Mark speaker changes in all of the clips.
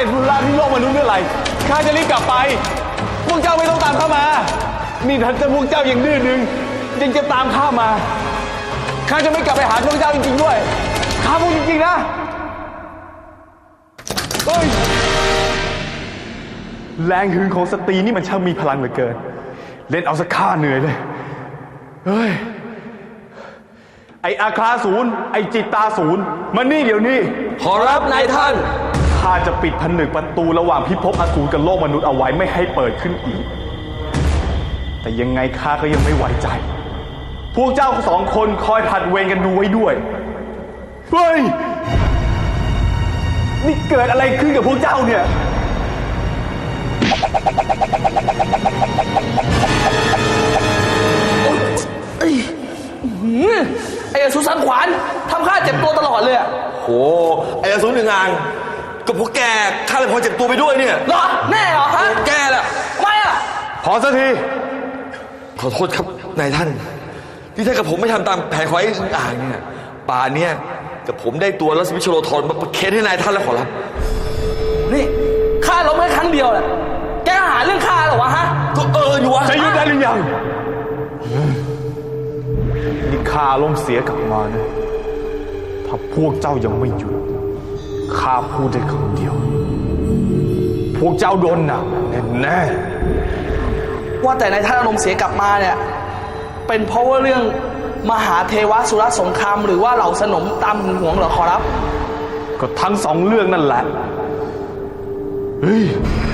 Speaker 1: ร็จธุระที่โลกมนุษย์เมื่อไหร่ข้าจะรีบกลับไปพวกเจ้าไม่ต้องตามข้ามานี่ถ้าพวกเจ้ายังดื้อดึงยังจะตามข้ามาข้าจะไม่กลับไปหาพวกเจ้าจริงๆด้วยข้าพูดจริงๆนะเฮ้ยแรงหึงของสตรีนี่มันช่างมีพลังเหลือเกินเล่นเอาสักข้าเหนื่อยเลยเฮ้ยไออาคาศูนย์ไอจิตตาศูนย์มานี่เดี๋ยวนี้
Speaker 2: ขอรับนายท่าน
Speaker 1: ข้าจะปิดผนึกประตูระหว่างพิภพอสูรกับโลกมนุษย์เอาไว้ไม่ให้เปิดขึ้นอีกแต่ยังไงข้าก็ยังไม่ไว้ใจพวกเจ้าสองคนคอยผัดเวรกันดูไว้ด้วยเฮ้ยนี่เกิดอะไรขึ้นกับพวกเจ้าเนี่ย
Speaker 2: ไอ้อสูรสังขวานทำข้าเจ็บตัวตลอดเลยอ่ะโอ้ไอ้อสูรหนึ่งอ่างก็พวกแกข้าเลยพอเจ็บตัวไปด้วยเนี่ยเหรอแน่เหรอฮะแกแหละไม่อ่ะ
Speaker 1: พอสักที
Speaker 2: ขอโทษครับนายท่านที่ถ้ากับผมไม่ทำตามแผนของไอ้อึ่งอ่างเนี่ยป่านเนี่ยกับผมได้ตัวรัศมีชโลธรมาประเคนให้นายท่านแล้วขอรับนี่ข้าล้มแค่ครั้งเดียวแหละแกหาเรื่องข้าหรอวะฮะก็อยู่วะ
Speaker 1: จะหยุดได้หรือยังนี่ข้าล้มเสียกลับมานะถ้าพวกเจ้ายังไม่หยุดข้าพูดได้คำเดียวพวกเจ้าโดนหนักแน่
Speaker 2: ว่าแต่นายท่านอารมณ์เสียกลับมาเนี่ยเป็นเพราะว่าเรื่องมหาเทวสุรสงครามหรือว่าเหล่าสนมตามหึงหวงเหรอขอรับ
Speaker 1: ก็ทั้งสองเรื่องนั่นแหละเฮ้ย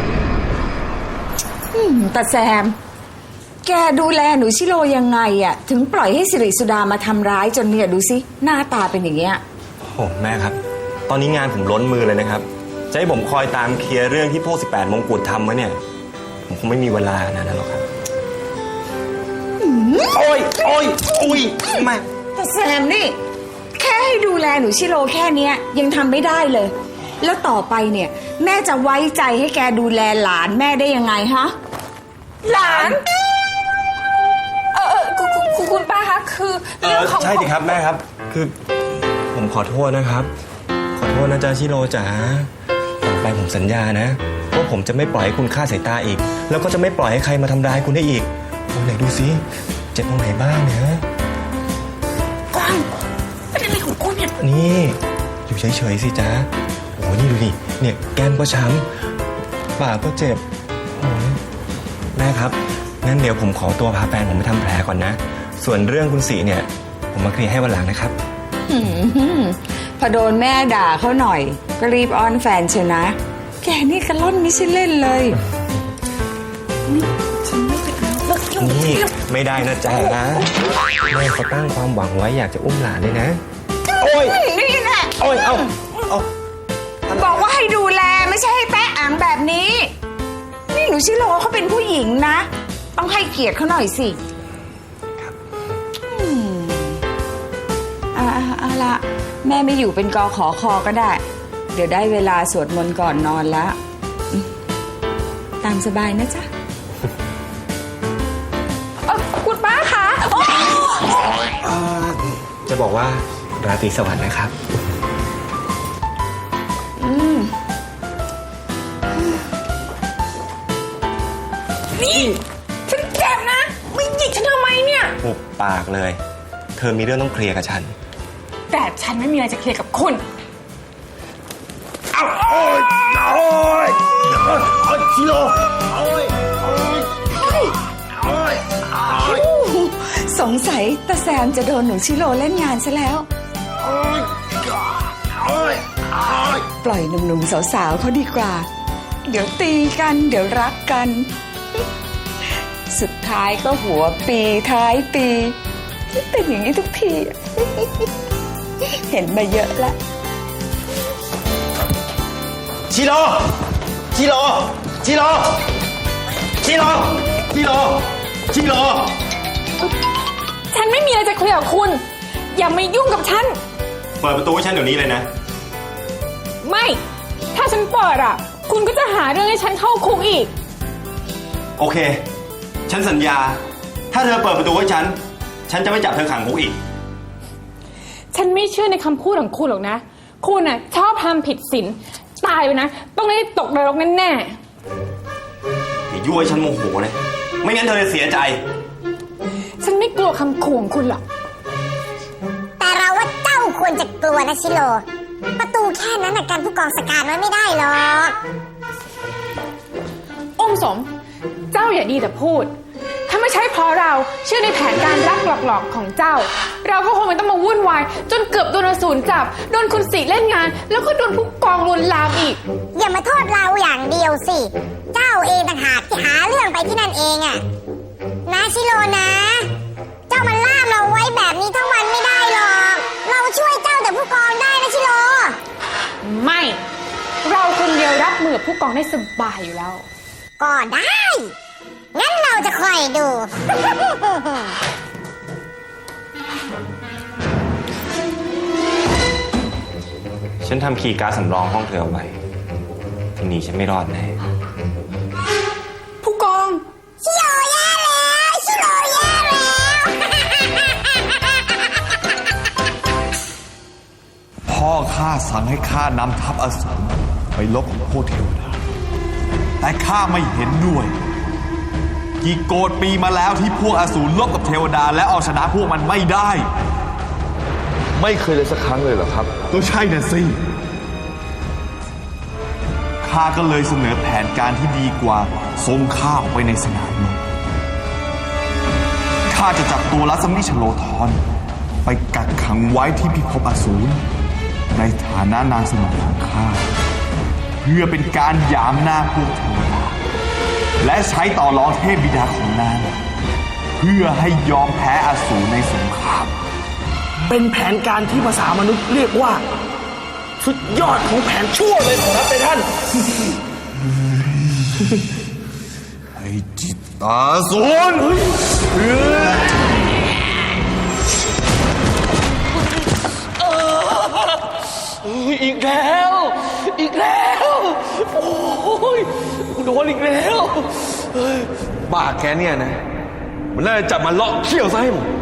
Speaker 3: แต่แซมแกดูแลหนูชิโร่ยังไงอะถึงปล่อยให้สิริสุดามาทำร้ายจนเนี่ยดูสิหน้าตาเป็นอย่างเงี้ย
Speaker 4: โอ้แม่ครับตอนนี้งานผมล้นมือเลยนะครับจะให้ผมคอยตามเคลียร์เรื่องที่พวก18มงกุฎทำไว้เนี่ยผมคงไม่มีเวลานะหรอกครับ
Speaker 2: โอ้ย
Speaker 3: แม่แต่แซมนี่แค่ให้ดูแลหนูชิโร่แค่เนี้ยยังทำไม่ได้เลยแล้วต่อไปเนี่ยแม่จะไว้ใจให้แกดูแลหลานแม่ได้ยังไงฮะหลาน
Speaker 5: คุณป้าคะคือเรื่องของ
Speaker 4: ใช่ดิครับแม่ครับคือผมขอโทษนะครับขอโทษนะจ๊ะชิโร่จ๋าต่อไปผมสัญญานะว่าผมจะไม่ปล่อยให้คุณฆ่าสายตาอีกแล้วก็จะไม่ปล่อยให้ใครมาทำร้ายคุณได้อีกโอ้ไหนดูสิเจ็บตรงไหนบ้างเนี่ย
Speaker 5: กวางเป็นอะไรของคุณเนี่ย
Speaker 4: นี่อยู่เฉยๆสิจ๊ะโอ้นี่ดูดิเนี่ยแก้มก็ช้ำปากก็เจ็บโอ้แม่ครับงั้นเดี๋ยวผมขอตัวพาแฟนผมไปทำแผลก่อนนะส่วนเรื่องคุณสีเนี่ยผมมาเคลียร์ให้วันหลังนะครับ
Speaker 3: พอโดนแม่ด่าเขาหน่อยก็รีบอ้อนแฟนเชียวนะแกนี่กระล่อนไม่ใช่เล่นเลย
Speaker 4: นี่ไม่ได้นะจ๊ะแม่เขาตั้งความหวังไว้อยากจะอุ้มหลานเลยนะ
Speaker 3: โอ้ยนี่แหละ
Speaker 4: โอ้ยเอา
Speaker 3: บอกว่าให้ดูแลไม่ใช่ให้แตะอ่างแบบนี้นี่หนูชิโร่เขาเป็นผู้หญิงนะต้องให้เกียรติเขาหน่อยสิเอาละแม่ไม่อยู่เป็นกขอคอก็ได้เดี๋ยวได้เวลาสวดมนต์ก่อนนอนแล้วตามสบายนะจ๊ะ
Speaker 5: คุณป้าคะ
Speaker 4: จะบอกว่าราตรีสวัสดิ์นะครับ
Speaker 5: นี่ฉันเจ็บนะไม่หยิกฉันทำไมเนี่ย
Speaker 4: หุบปากเลยเธอมีเรื่องต้องเคลียร์กับฉัน
Speaker 5: แต่ฉันไม่มีอะไรจะเคลียร์กับคุณ
Speaker 2: ชิโร่
Speaker 3: สงสัยตาแซมจะโดนหนูชิโร่เล่นงานซะแล้วปล่อยหนุ่มๆสาวๆเขาดีกว่าเดี๋ยวตีกันเดี๋ยวรักกันสุดท้ายก็หัวปีท้ายปีเป็นอย่างนี้ทุกทีเห็นมาเยอะแล้ว
Speaker 2: ชิโร่
Speaker 5: ฉันไม่มีอะไรจะเคลียร์กับคุณอย่ามายุ่งกับฉัน
Speaker 4: เปิดประตูให้ฉันเดี๋ยวนี้เลยนะ
Speaker 5: ไม่ถ้าฉันเปิดอ่ะคุณก็จะหาเรื่องให้ฉันเข้าคุกอีก
Speaker 4: โอเคฉันสัญญาถ้าเธอเปิดประตูให้ฉันจะไม่จับเธอขังคุกอีก
Speaker 5: ฉันไม่เชื่อในคำพูดของคุณหรอกนะคุณอ่ะชอบทำผิดศีลตายไปนะ ต้องได้ตกนรกแน่
Speaker 4: อย่ายั่วให้ฉันโมโหเลยไม่งั้นเธอจะเสียใจ
Speaker 5: ๆฉันไม่กลัวคำขู่ของคุณหรอก
Speaker 6: แต่เราว่าเจ้าควรจะกลัวนะชิโล ประตูแค่นั้นนะกันผู้กองสการไว้ไม่ได้หรอก
Speaker 5: องค์สม เจ้าอย่าดีแต่พูด ถ้าไม่ใช่เพราะเราเชื่อในแผนการรักหลอกๆของเจ้า เราก็คงไม่ต้องมาวุ่นวายจนเกือบโดนอสูรจับ โดนคุณสีเล่นงาน แล้วก็โดนผู้กองลวนลามอีก
Speaker 6: อย่ามาโทษเราอย่างเดียวสิ เจ้าเองต่างหากที่หาเรื่องไปที่นั่นเองอะนะชิโลนะ เจ้ามันล่ามเราไว้แบบนี้ทั้งวันไม่ได้หรอก เราช่วยเจ้าแต่ผู้กองได้นะชิโล
Speaker 5: ไม่ เราคนเดียวรับมือกับผู้กองได้สบายอยู่แล้ว
Speaker 6: ก็ได้ งั้นเราจะคอยดู
Speaker 4: ฉันทำคีย์การ์ดสำรองห้องเธอเอาไว้ทีนี้ฉันไม่รอดแน่
Speaker 5: ผู้กอง
Speaker 6: ชิโลแย่แล้วชิโลแย่แล้ว
Speaker 1: พ่อข้าสั่งให้ข้านำทัพอสูรไปลบกับพวกเทวดา แต่ข้าไม่เห็นด้วย กี่โกฏปีมาแล้วที่พวกอสูรลบกับเทวดาและเอาชนะพวกมันไม่ได้
Speaker 2: ไม่เคยเลยสักครั้งเลยเหรอครับ
Speaker 1: ก็ใช่น่ะสิ ข้าก็เลยเสนอแผนการที่ดีกว่าส่งข้าออกไปในสนามรบข้าจะจับตัวรัศมิชโลธรไปกักขังไว้ที่พิภพอสูรในฐานะนางสนมของข้า เพื่อเป็นการหยามหน้าพวกเทวดาและใช้ต่อรองเทพบิดาของนางเพื่อให้ยอมแพ้อสูรในสงคราม
Speaker 7: เป็นแผนการที่ภาษามนุษย์เรียกว่า สุดยอดของแผนชั่วเลยขอรับในท่าน
Speaker 1: ไอ้จิตตาสูร
Speaker 7: อีกแล้ว อีกแล้ว โอ้ยโดนอีกแล้ว
Speaker 2: บ้าแกเนี่ยนะ มันน่าจะจับมันเลาะเขี้ยวซะให้หมด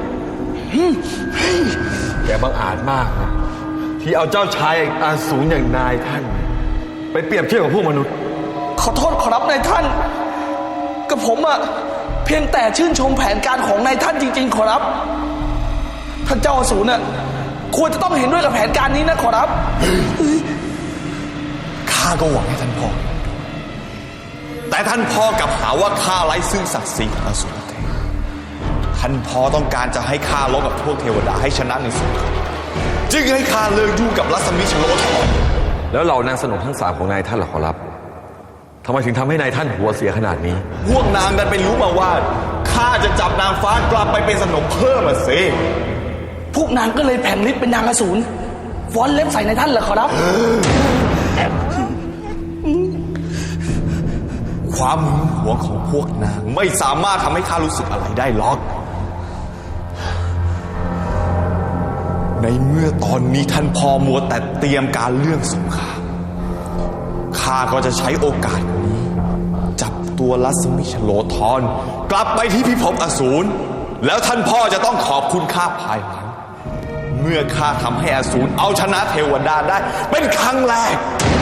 Speaker 2: แกบังอาจมากนะที่เอาเจ้าชายอาสูรอย่างนายท่าน ไปเปรียบเทียบกับพวกมนุษย์
Speaker 7: ขอโทษขอรับนายท่าน กับผมอะเพียงแต่ชื่นชมแผนการของนายท่านจริง ๆ ขอรับ ท่านเจ้าอสูรน่ะควรจะต้องเห็นด้วยกับแผนการนี้นะขอรับ
Speaker 1: ข้าก็หวังให้ท่านพ่อ แต่ท่านพ่อกลับหาว่าข้าไร้ซึ่งศักดิ์ศรีของอสูรเทพท่านพ่อต้องการจะให้ข้าลบกับพวกเทวดาให้ชนะในสงครามจึงให้ข้าเลิกยุ่งกับรัศมีชโลธร
Speaker 2: แล้วเหล่านางสนมทั้งสามของนายท่านล่ะขอรับทำไมถึงทำให้นายท่านหัวเสียขนาดนี้
Speaker 1: พวกนางดันไปรู้มาว่าข้าจะจับนางฟ้ากลับไปเป็นสนมเพิ่มสิ
Speaker 7: พวกนางก็เลยแผงฤทธิ์เป็นนางอสูรฟ้อนเล็บใส่นายท่านเหรอขอรับ
Speaker 1: ความหึงหวงของพวกนางไม่สามารถทำให้ข้ารู้สึกอะไรได้หรอก ในเมื่อตอนนี้ท่านพ่อมัวแต่เตรียมการเรื่องสงครามข้าก็จะใช้โอกาสนี้ จับตัวรัศมิชโลธรกลับไปที่พิภพอสูรแล้วท่านพ่อจะต้องขอบคุณข้าภายหลังเมื่อข้าทำให้อสูรเอาชนะเทวดาได้เป็นครั้งแรก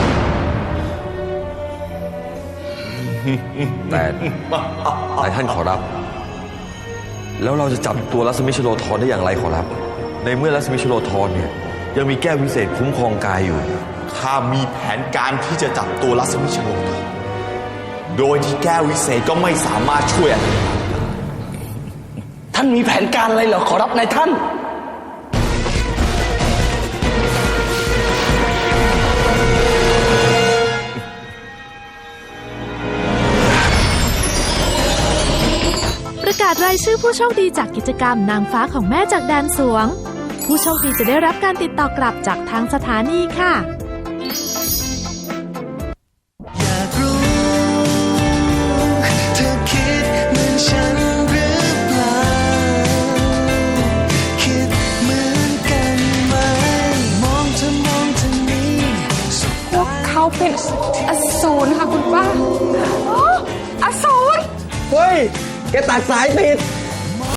Speaker 2: แต่นายท่านขอรับ แล้วเราจะจับตัวรัศมิชโลธรได้อย่างไรขอรับ ในเมื่อรัศมิชโลธรเนี่ยยังมีแก้ววิเศษคุ้มครองกายอยู่
Speaker 1: ข้ามีแผนการที่จะจับตัวรัศมิชโลธรโดยที่แก้ววิเศษก็ไม่สามารถช่วยอะไรได้
Speaker 7: ท่านมีแผนการอะไรเหรอขอรับนายท่าน
Speaker 8: ประกาศรายชื่อผู้โชคดีจากกิจกรรมนางฟ้าของแม่จากแดนสวง ผู้โชคดีจะได้รับการติดต่อกลับจากทางสถานีค่ะ
Speaker 9: อยากรู้เธอคิดเหมือนฉันหรือเปล่าคิดเหมือนกันไหมมองเธอนี้สุด
Speaker 5: พวกเขาเป็นอสูรค่ะคุณป้าอ๋ออสูร
Speaker 7: เฮ้ย แกตัดสายติด